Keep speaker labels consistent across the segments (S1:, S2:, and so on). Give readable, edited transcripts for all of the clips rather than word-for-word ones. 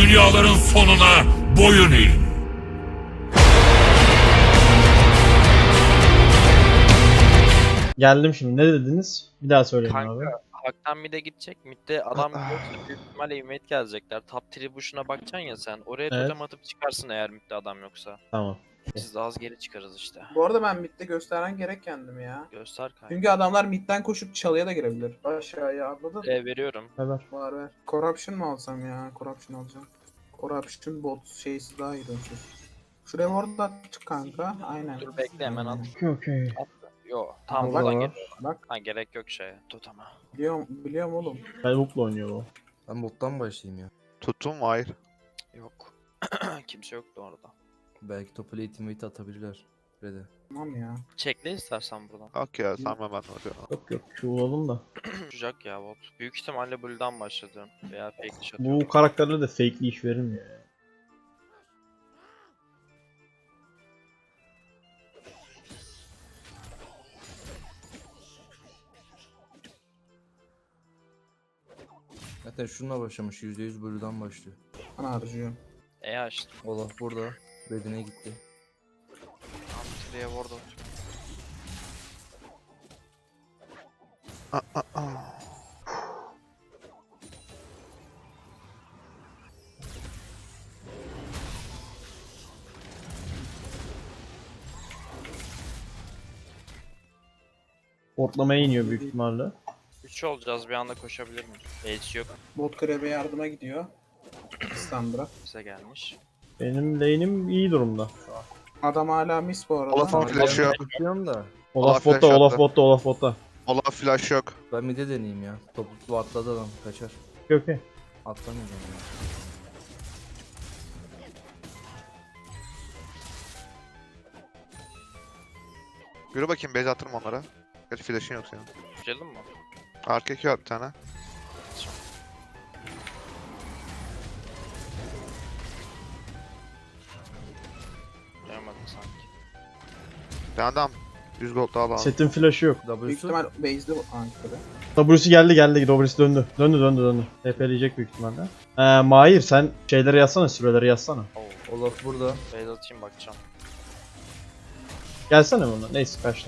S1: dünyaların sonuna boyun eğin.
S2: Geldim şimdi. Ne dediniz? Bir daha söyleyin abi.
S3: Kanka Hak'tan mid'e gidecek. Mid'de adam yoksa büyük ihtimalle invade gelecekler. Top tribuşuna bakacaksın ya sen. Oraya
S2: Evet.
S3: totem atıp çıkarsın eğer mid'de adam yoksa.
S2: Tamam.
S3: Biz de az geri çıkarız işte.
S4: Bu arada ben midde gösteren gerek kendimi ya.
S3: Göster kanka.
S4: Çünkü adamlar midden koşup çalıya da girebilir. Aşağıya atladın.
S3: Veriyorum.
S2: Haber.
S4: Var ver. Corruption mı alsam ya? Corruption alacağım. Corruption bot şeysi daha iyi dönsün. Şuraya ward attık kanka. Aynen.
S3: Dur bekle hemen at.
S2: Okey.
S3: Yo tam
S4: Bak,
S3: buradan
S2: bak.
S3: gel.
S4: Bak
S3: Ha gerek yok şeye. Totama.
S4: biliyorum oğlum.
S2: Belbook'la oynuyor o.
S5: Ben bottan başlayayım ya.
S6: Tuttum mu? Hayır.
S3: Yok. Kimse yoktu orada.
S5: Belki topu late invite atabilirler. Red'e.
S4: Tamam ya.
S3: Çekle istersen buradan.
S6: Yok ya sen hemen oraya.
S2: Yok yok şu olalım da.
S3: Uçacak ya bot. Büyük ihtimalle Blue'dan başladım. Veya fake dish atıyorum.
S2: Bu karakterlere de fake'li iş verilmiyor ya.
S5: Zaten şununla başlamış. %100 Blue'dan başlıyor.
S4: Ben harcıyorum.
S3: Açtım.
S5: Olaf burada. Red'ine gitti.
S3: Tam şuraya ward atıyorum.
S2: Ortlamaya iniyor büyük ihtimalle.
S3: 3 olacağız bir anda koşabilir miyiz? H yok.
S4: Bot krebe yardıma gidiyor. Sandra.
S3: Bize gelmiş.
S2: Benim lane'im iyi durumda.
S4: Adam hala miss bu arada.
S6: Olaf'ın flash'ı yok.
S5: Tutuyorum da.
S2: Olaf
S6: flash
S2: botta, Olaf
S6: attı.
S2: botta, Olaf botta.
S6: Olaf flash yok.
S5: Ben mid'e deneyeyim ya. Topu atladı adam. Kaçar.
S2: Okey.
S5: Atlamayacağım ya.
S6: Yürü bakayım base attırım onlara. Gerçi flash'ın yok senin.
S3: Girelim mi?
S6: Arka 2 var bir tane.
S3: Gelmedi sanki.
S6: Adam 100 gold daha lazım.
S2: Setin flash'ı yok.
S4: Büyük
S5: W'su.
S4: ihtimal base'de Ankara'da.
S2: W'si geldi. W'si döndü. Döndü. TP'leyecek büyük ihtimalle. Mahir sen şeyleri yazsana, süreleri yazsana.
S3: Oo.
S5: Olaf burada.
S3: Beyaz atayım bakacağım.
S2: Gelsene buna. Neyse kaçtım.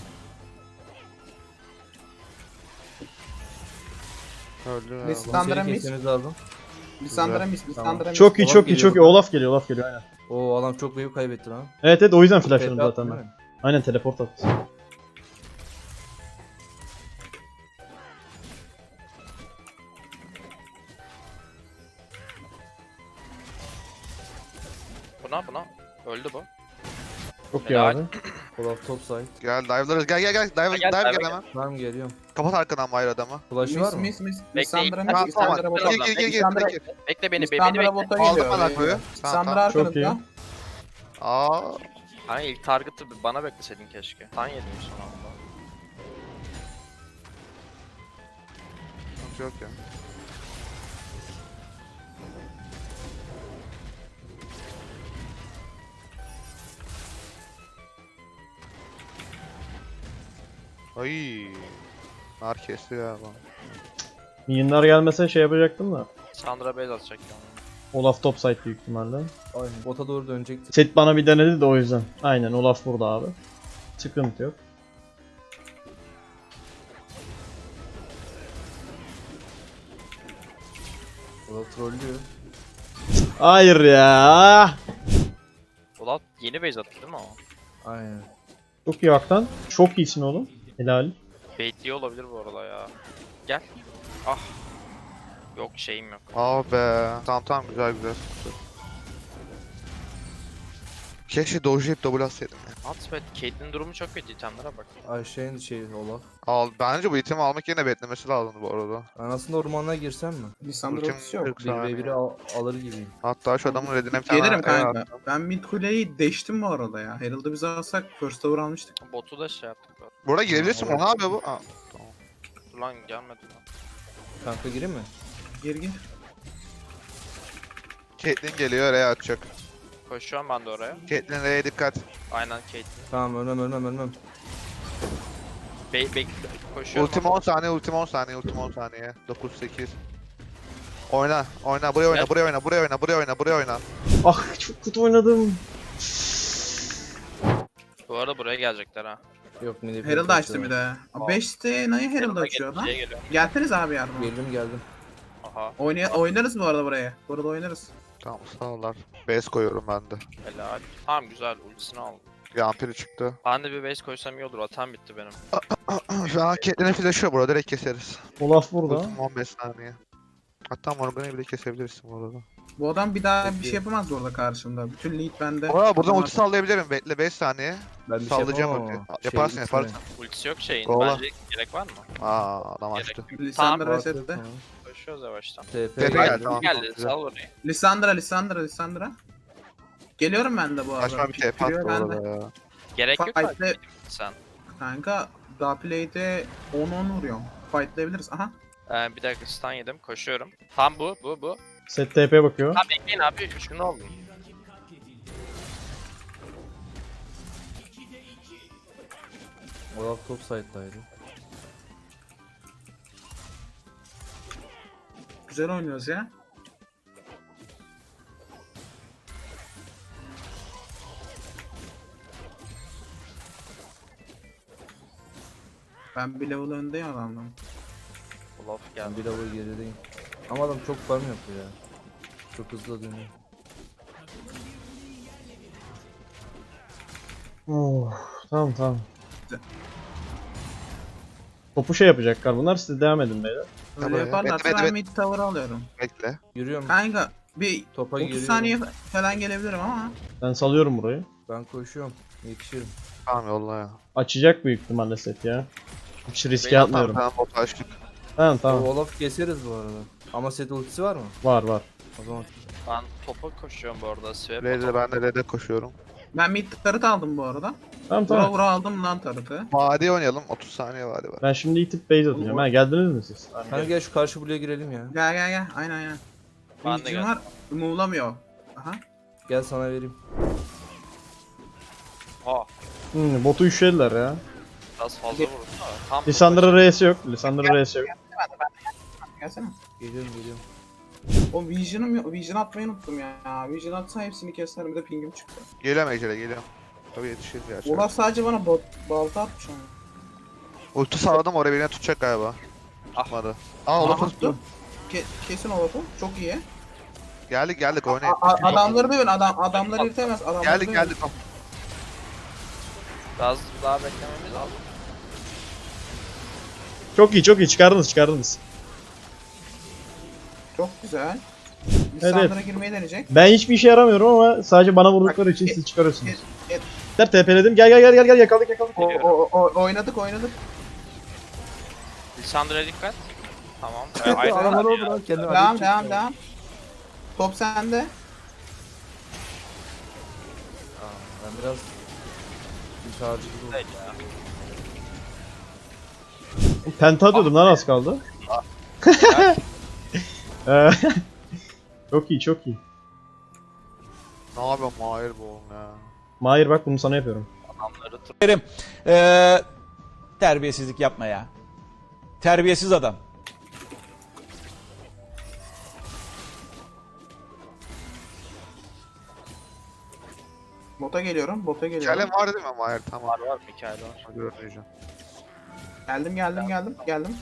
S6: Öldü ya.
S4: Lissandra miss.
S5: Kesmeniz lazım.
S4: Lissandra miss.
S5: Tamam.
S4: Lissandra miss.
S2: Çok iyi,
S5: Olaf
S2: çok iyi,
S5: geliyor
S2: çok iyi.
S5: buradan.
S2: Olaf geliyor aynen.
S5: Oo adam çok wave kaybetti lan.
S2: Evet o yüzden flashladım
S5: TP attı
S2: zaten
S5: değil
S2: ben.
S5: mi?
S2: Aynen teleport attı.
S3: Buna. Öldü bu.
S2: Çok iyi
S3: Helal.
S2: abi.
S5: Olaf top side.
S6: Gel dive'larız. Gel. Dive
S3: Gel,
S6: gel
S3: dive
S6: hemen.
S5: Tamam geliyorum.
S6: Kapat arkadan Mahir adamı.
S5: Flash'ı var
S4: Miss
S5: mı?
S4: miss miss.
S3: Bekle,
S4: Lissandra
S3: tamam,
S4: miss.
S6: Tamam
S4: Lissandra
S6: tamam.
S4: bota.
S6: Gir.
S4: Lissandra
S3: Bekle beni
S4: Lissandra
S3: bekle.
S4: bota
S6: Aldım
S4: geliyor.
S6: ben Ako'yu. Tamam
S4: Lissandra
S6: tamam.
S2: Çok iyi.
S4: arkanızda.
S6: Aa.
S3: Hani ilk target'ı bana bekleseydin keşke. Tan yedim son anda.
S6: Sıkıntı yok ya. Ay. Nar kesti ya lan.
S2: Minyonlar gelmese şey yapacaktım da.
S3: Sandra base atacak yani.
S2: Olaf topside büyük ihtimalle.
S5: Aynen. Bota doğru dönecekti.
S2: Set bana bir denedi de o yüzden. Aynen Olaf burada abi. Sıkıntı yok.
S5: Olaf trollüyor.
S2: Hayır ya.
S3: Ulan yeni base attı değil mi o?
S5: Aynen.
S2: Çok iyi Hak'tan. Çok iyisin oğlum. Helal.
S3: Baitliyor olabilir bu arada ya. Gel. Ah. Yok şeyim yok.
S6: Aa be. Tamam güzel. Keşke dojlayıp double atsaydım ya.
S3: At be. Caitlyn'in durumu çok kötü. İtemlere bak.
S5: Ayşe'nin Olaf.
S6: Bence bu itemi almak yerine beklemesi lazımdı bu arada.
S5: Ben aslında ormana girsem mi?
S4: Lissandra
S6: Ultim
S4: ultisi yok.
S6: 40 saniye.
S5: 1v1'i alır gibiyim.
S6: Hatta şu adamın redine bir tane
S4: Gelirim kanka.
S6: attım.
S4: Ben mid kuleyi deştim bu arada ya. Herald'ı biz alsak first over almıştık.
S3: Botu da şey yaptık. bu arada.
S6: Burada girebilirsin bu ne yapıyor bu? Aa, tamam.
S3: Dur lan gelmedi lan.
S5: Kanka gireyim mi?
S4: Gir.
S6: Caitlyn geliyor R'ye atacak.
S3: Koşuyorum ben de oraya.
S6: Caitlyn R'ye dikkat.
S3: Aynen Caitlyn.
S5: Tamam ölmem.
S3: Bekle. Koşuyorum.
S6: Ultim 10 saniye. 9 8. Oyna. Oyna. Buraya oyna.
S3: Gel.
S6: Buraya oyna. Buraya oyna. Buraya oyna. Buraya oyna.
S2: Ah çok kötü oynadım.
S3: Bu arada buraya gelecekler ha.
S5: Yok mini
S4: Herald açtı bir de.
S3: Aa.
S4: 5'te Na'yı Herald
S3: Yanına
S4: açıyor lan.
S3: geliyor.
S4: Gelseniz abi yardıma.
S5: Geldim.
S3: Aha.
S4: Oynarız bu arada buraya. Burada oynarız.
S6: Tamam sağlar. Base koyuyorum ben de.
S3: Helal. Tamam güzel ultisini aldım.
S6: Yampiri çıktı.
S3: Ben de bir base koysam iyi olur. Atam bitti benim.
S6: Şu an Caitlyn'e flash'ı burada. Direkt keseriz.
S2: Olaf burada.
S6: Ultim 15 saniye. Hatta Morgan'ı bile kesebilirsin bu arada.
S4: Bu adam bir daha bir şey yapamaz bu arada karşımda. Bütün lead bende.
S6: Aa buradan
S4: Ama-
S6: ulti sallayabilirim. Bekle 5 saniye.
S5: Ben bir
S6: Sallayacağım
S5: şey yapamam
S6: ulti.
S5: ama.
S6: Yaparsın,
S5: Şey,
S6: yaparsın.
S3: Ultisi yok şeyin.
S6: Kovala.
S3: Bence gerek var mı?
S6: Aa adam açtı.
S4: Lissandra
S3: Tamam.
S4: resette.
S3: Koşuyoruz yavaştan.
S5: TP
S6: TP geldi, tamam.
S3: Geldi
S6: güzel.
S3: sal orayı.
S4: Lissandra. Geliyorum ben de bu arada.
S6: Saçma bir TP attı
S4: Giriyor
S6: bu
S4: bende.
S6: arada ya.
S3: Gerek yok
S4: Fight'te
S3: abi. Sen.
S4: kanka Daplay'de 10-10 vuruyorum. Fight'layabiliriz. Aha.
S3: Bir dakika stun yedim. Koşuyorum. Tam bu.
S2: Set TP bakıyor.
S3: Ha bekleyin abi. 3 gün oldu.
S5: Olaf top side'daydı.
S4: Güzel oynuyoruz ya. Ben bir level öndeyim adamdan.
S3: Olaf
S5: Ben
S3: geldi.
S5: bir level gerideyim. Ama adam çok farm yapıyor ya. Çok hızlı dönüyor.
S2: Oh, tamam. Topu şey yapacaklar bunlar, siz devam edin beyler.
S4: Öyle
S6: Tamam ya.
S4: yaparlarsa
S6: Bekle,
S4: ben
S6: bekle.
S4: mid tower alıyorum.
S6: Bekle.
S5: Yürüyorum.
S4: Kanka bir
S5: Topa
S4: 30
S5: giriyorum.
S4: saniye falan gelebilirim ama.
S2: Ben salıyorum burayı.
S5: Ben koşuyorum. Yetişirim.
S6: Tamam yolla ya.
S2: Açacak büyük ihtimalle set ya. Hiç riske
S3: Benim
S2: atmıyorum.
S6: Tamam bot açtık.
S2: Tamam
S5: O
S2: tamam.
S5: Olaf keseriz bu arada. Ama set ultisi var mı?
S2: Var.
S5: O zaman
S3: Ben topa koşuyorum bu arada. Swap
S6: Red'e ben de Red'e koşuyorum.
S4: Ben mid turret aldım bu arada.
S2: Tamam
S4: Vura
S2: tamam.
S4: vura aldım lan turret'ı.
S6: Vadi oynayalım. 30 saniye vadi var.
S2: Ben şimdi itip base atacağım. Ha geldiniz mi siz? Tamam,
S5: hani
S2: gel.
S5: gel şu karşı buraya girelim ya.
S4: Gel. Aynen.
S3: Ben de
S4: Vision
S3: geldim.
S4: var. Move'lamıyor. Aha.
S5: Gel sana vereyim.
S3: Ha.
S2: Botu üşediler ya.
S3: Biraz fazla vurdu da. Tam
S2: Lissandra R'si yok. Lissandra R'si yok.
S4: Gelsene.
S5: Geliyorum.
S4: O Vision'ım yok. Vision atmayı unuttum ya. Vision atsa hepsini keserim. Bir de pingim çıktı.
S6: Geliyorum Ejder'e geliyorum. Tabii yetişiriz ya.
S4: Olaf sadece bana balta atmış ama.
S6: Ulti salladım oraya birini tutacak galiba.
S3: Ah.
S6: Tutmadı. Aa Olaf'ı tuttu.
S4: Kesin Olaf'ı. Çok iyi.
S6: Geldik oynayın.
S4: Adamları dövün. Adamları yırtamaz. Adamları dövün.
S6: Geldik tamam.
S3: Biraz daha beklememiz lazım.
S2: Çok iyi çıkardınız.
S4: Çok güzel.
S2: Evet.
S4: Lisandra girmeyi deneyecek.
S2: Ben hiçbir işe yaramıyorum ama sadece bana vurdukları için siz çıkarıyorsunuz. TP'ledim. Gel yakaladık.
S4: Oynadık.
S3: Lissandra'ya dikkat. Tamam.
S5: Adamlar oldu lan kendini
S4: Devam. Top sende.
S5: Ben biraz şarjı gibi oldum.
S3: Değil ya.
S2: Penta atıyordum lan az kaldı. Ee, çok iyi.
S6: Ne yapıyorsun Mahir bu oğlum ya.
S2: Mahir bak bunu sana yapıyorum.
S3: Adamları
S7: Terbiyesizlik yapma ya. Terbiyesiz adam.
S4: Bota geliyorum.
S6: Hikayem var değil mi Mahir? Tamam.
S3: var Mikael var.
S6: Hadi oynayacağım.
S4: Geldim.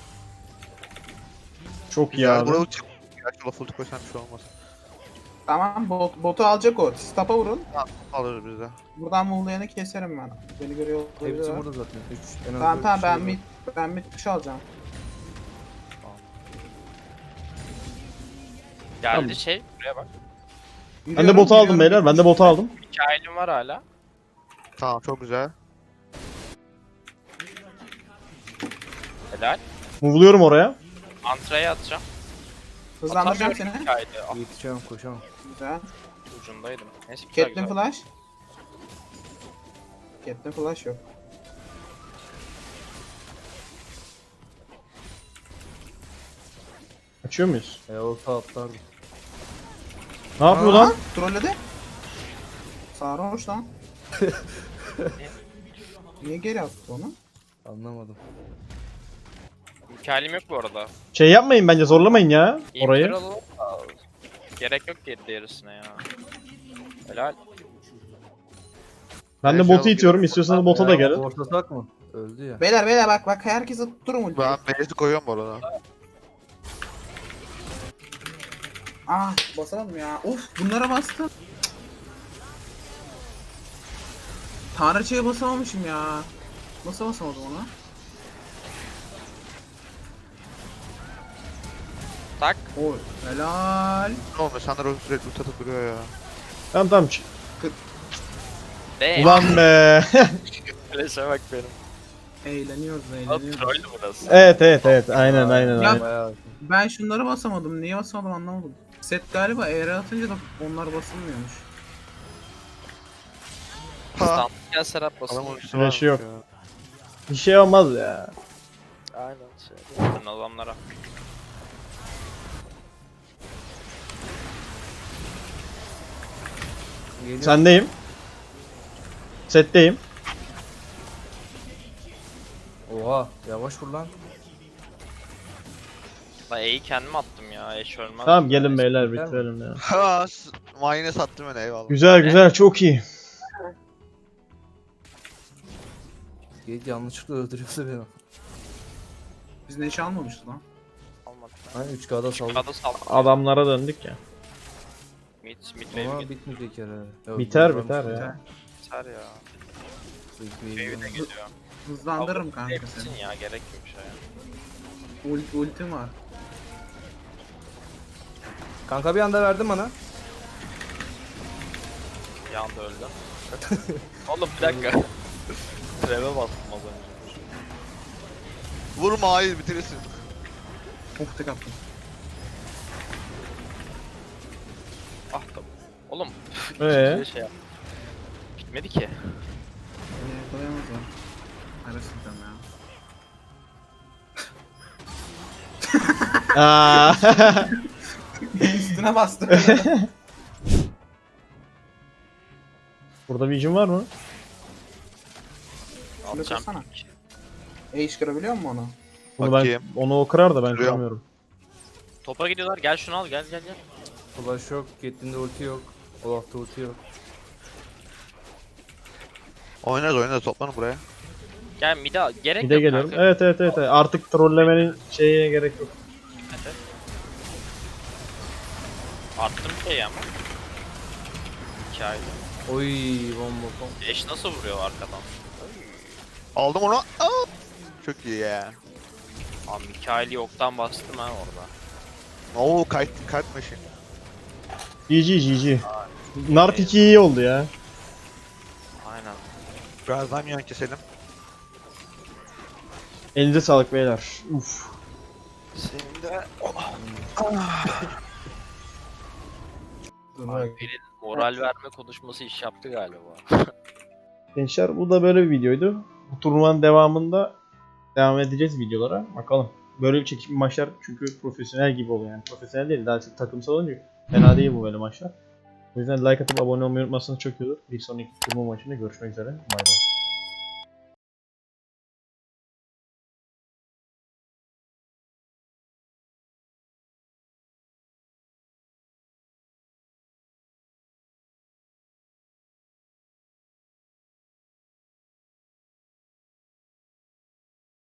S2: Çok iyi
S6: Güzel.
S2: abi.
S6: Buraya ulti. Gerçi Olaf ulti koysan bir şey olmaz.
S4: Tamam botu alacak o. Siz tapa vurun.
S6: Alırız biz de.
S4: Buradan Muğla'yanı keserim ben. Beni görüyor
S5: Hepsi
S4: olabilir.
S5: burada zaten. 3 en az
S4: Tamam
S5: dört
S4: ben
S5: kişi var.
S4: mid push alacağım.
S3: Geldi
S2: Tamam.
S3: şey. Buraya bak.
S2: Ben de botu aldım beyler. Ben de botu aldım.
S3: Mikael'im var hala.
S6: Tamam çok güzel.
S3: Helal.
S2: Move'luyorum oraya.
S3: Antra'ya atacağım.
S4: Hızlandıracağım
S3: Atamıyorum
S4: seni.
S3: Mikael'i. Ah,
S5: Yetişemem koşamam.
S4: Güzel.
S3: ucundaydım. Neyse güzel
S4: Caitlyn
S3: güzel.
S4: flash. Caitlyn flash yok.
S2: Açıyor muyuz?
S5: Olta atlardı.
S2: Ne yapıyor lan?
S4: Trolledi. Sarhoş lan. Niye geri attı onu?
S5: Anlamadım.
S3: Mikael'im yok bu arada.
S2: Şey yapmayın bence, zorlamayın ya orayı.
S3: İmperial alalım da gerek yok diğerisine ya. Helal.
S2: Ben de
S6: Şey
S2: botu itiyorum, istiyorsanız bota da gelin.
S5: Ortasak mı? Öldü ya.
S4: Beyler bak herkese tutturun ultiyi.
S6: Ben base'i koyuyorum bu arada.
S4: Ah basamadım ya. Of bunlara bastım. Tanrıçaya basamamışım ya. Nasıl basamadım ona?
S3: Tak.
S4: Oy helal.
S6: Ne olmuş? Sandra sürekli ult atıp duruyor ya.
S2: Tamam.
S3: Damn.
S2: Ulan be.
S3: Flash'e bak benim.
S4: Eğleniyoruz
S3: Lan
S4: eğleniyoruz.
S3: troll burası.
S2: Evet. Aynen.
S4: Ya-
S5: Bayağı.
S4: Ben şunları basamadım. Niye basamadım anlamadım. Set galiba ER atınca da onlar basılmıyormuş.
S6: Ha.
S3: Stand gel Serap
S6: Adam
S3: basın.
S6: ultisi
S2: Flash'ı
S6: varmış
S2: yok.
S6: ya.
S2: Bir şey olmaz ya.
S3: Aynen şey. Yapın adamlara.
S5: Geliyor.
S2: Sendeyim. Setteyim.
S5: Oha yavaş vur lan.
S3: Ben E'yi kendim attım ya. Eş ölmez.
S2: Tamam gelin beyler,
S5: Biter mi?
S2: bitirelim ya.
S6: Ha. Mayine sattım beni eyvallah.
S2: Güzel, çok iyi.
S5: Gate yanlışlıkla öldürüyorsa beni.
S4: Biz neşe almamıştık lan.
S3: Almadı.
S5: Hani 3K'da saldım.
S3: Kada saldım.
S2: Adamlara döndük ya.
S3: Mid wave
S5: Ama
S3: git.
S5: bitmeyecek herhalde. Yok,
S2: Biter
S5: varmış
S2: ya.
S3: Biter ya.
S5: İlk
S3: Wave de
S5: wave'den.
S3: gidiyor.
S4: Hızlandırırım kanka
S3: Hepsin
S4: seni.
S3: ya gerek yok bir şeye.
S4: Ultim var.
S5: Kanka bir anda verdin bana.
S3: Bir anda öldüm. Oğlum bir dakika. Treve bastım az önce.
S6: Vurma hayır bitirirsin.
S4: Of tek attım.
S3: Ah da. Oğlum. Şey yap. Bitmedi ki.
S4: Beni yakalayamazlar. Arasından ya.
S2: Aa.
S4: Üstüne bastım.
S2: Burada vision var mı?
S3: Alacağım.
S4: kırsana. iş kırabiliyor musun onu?
S2: Bunu
S6: Bakayım.
S2: onu o kırar da ben
S6: Kırıyorum.
S2: kıramıyorum.
S3: Topa gidiyorlar. Gel şunu al gel.
S5: Flash yok. Caitlyn'de ulti yok. Olaf'ta ulti yok.
S6: Oynarız toplanın buraya.
S3: Gel mid'e al. Gerek
S2: Bir de
S3: yok
S2: geliyorum.
S3: kanka.
S2: Evet. Artık trollemenin şeyine gerek yok.
S3: Evet. Attım şeyi ama. Hikayede.
S5: Oy bomba bomba.
S3: Eş nasıl vuruyor arkadan?
S6: Aldım onu. Aa! Çok iyi ya.
S3: Abi Mikael'i yoktan bastım ha orada.
S6: Oo kart machine.
S2: GG. Nart 2 iyi oldu ya.
S3: Aynen.
S6: Birazdan yan keselim.
S2: Elinize sağlık beyler. Uf.
S3: Senin de
S4: Dur
S3: Alper'in moral verme konuşması iş yaptı galiba.
S2: Gençler bu da böyle bir videoydu. Bu turnuvanın devamında devam edeceğiz videolara. Bakalım. Böyle çekim maçlar çünkü profesyonel gibi oluyor yani. Profesyonel değil, daha çok takımsal olunca fena değil bu böyle maçlar. O yüzden like atıp abone olmayı unutmazsanız çok iyi olur. Bir sonraki turnuva maçında görüşmek üzere. Bay bay.